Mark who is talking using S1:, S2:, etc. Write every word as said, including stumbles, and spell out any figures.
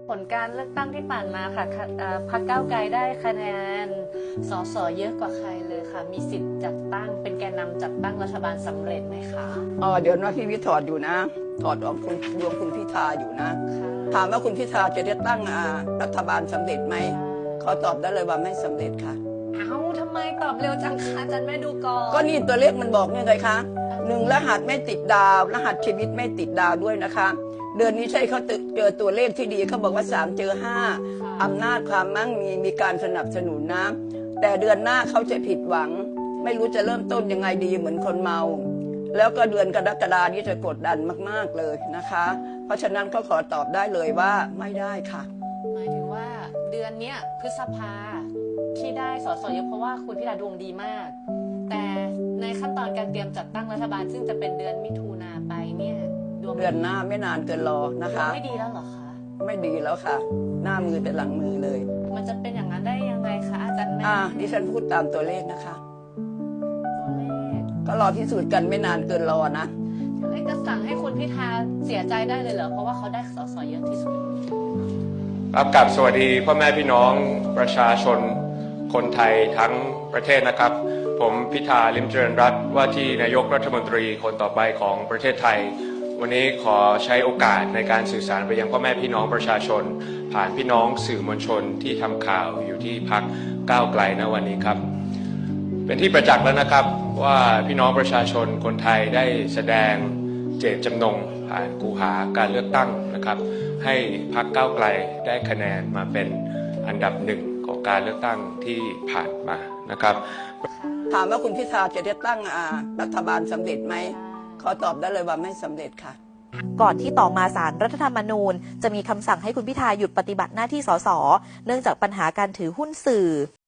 S1: ผลการเลือกตั้งที่ผ่านมาค่ะพรรคก้าวไกลได้คะแนนสสเยอะกว่าใครเลยค่ะมีสิทธิ์จัดตั้งเป็นแกนนำจัดตั้งรัฐบาลสำเร็จไหมคะ
S2: อ๋อเดี๋ยวนะพี่วิทย์ถอดอยู่นะถอดออกคุณรวมคุณพิธาอยู่นะถามว่าคุณพิธาจะได้ตั้งรัฐบาลสำเร็จไหมขอตอบได้เลยว่าไม่สำเร็จค่ะ
S1: เอ้าทำไมตอบเร็วจังคะอาจารย์แม่ดูก่อน
S2: ก็นี่ตัวเลขมันบอกเนี่ยไงคะหนึ่งรหัสไม่ติดดาวรหัสชีวิตไม่ติดดาวด้วยนะคะเดือนนี้ใช่เขาเจอตัวเลขที่ดีเขาบอกว่าสามเจอห้าอำนาจความมั่งมีมีการสนับสนุนนะแต่เดือนหน้าเขาจะผิดหวังไม่รู้จะเริ่มต้นยังไงดีเหมือนคนเมาแล้วก็เดือนกรกฎาคมนี้จะกดดันมากๆเลยนะคะเพราะฉะนั้นก็ขอตอบได้เลยว่าไม่ได้ค่ะ
S1: หมายถึงว่าเดือนเนี้ยพฤษภาที่ได้สสเยอะเพราะว่าคุณพิธาดวงดีมากแต่ในขั้นตอนการเตรียมจัดตั้งรัฐบาลซึ่งจะเป็นเดือนมิถุนาไปเนี่ย
S2: เดือนหน้าไม่นานเกินรอนะคะ
S1: ไม่ดีแล้วเหรอคะ
S2: ไม่ดีแล้วค่ะหน้ามือเป็นหลังมือเลย
S1: มันจะเป็นอย่างนั้นได้ยังไงคะอาจารย์แม่
S2: อ่าดิฉันพูดตามตัวเลขนะคะ
S1: ตัวเลข
S2: ก็รอพิสูจน์กันไม่นานเกินรอนะ
S1: จะสั่งให้คุณพิธาเสียใจได้เลยเหรอเพราะว่าเขาได้สสเยอะที่สุด
S3: ครับกับสวัสดีพ่อแม่พี่น้องประชาชนคนไทยทั้งประเทศนะครับผมพิธาลิ้มเจริญรัตน์ว่าที่นายกรัฐมนตรีคนต่อไปของประเทศไทยวันนี้ขอใช้โอกาสในการสื่อสารไปยังพ่อแม่พี่น้องประชาชนผ่านพี่น้องสื่อมวลชนที่ทำข่าวอยู่ที่พรรคก้าวไกลณวันนี้ครับเป็นที่ประจักษ์แล้วนะครับว่าพี่น้องประชาชนคนไทยได้แสดงเจตจำนงผ่านกูหาการเลือกตั้งนะครับให้พรรคก้าวไกลได้คะแนนมาเป็นอันดับหนึ่งของการเลือกตั้งที่ผ่านมานะครับ
S2: ถามว่าคุณพิธาจะได้ตั้งรัฐบาลสำเร็จไหมขอตอบได้เลยว่าไม่สำเร็จค่ะ
S4: ก่อนที่ต่อมาศาลรัฐธรรมนูญจะมีคำสั่งให้คุณพิธาหยุดปฏิบัติหน้าที่สสเนื่องจากปัญหาการถือหุ้นสื่อ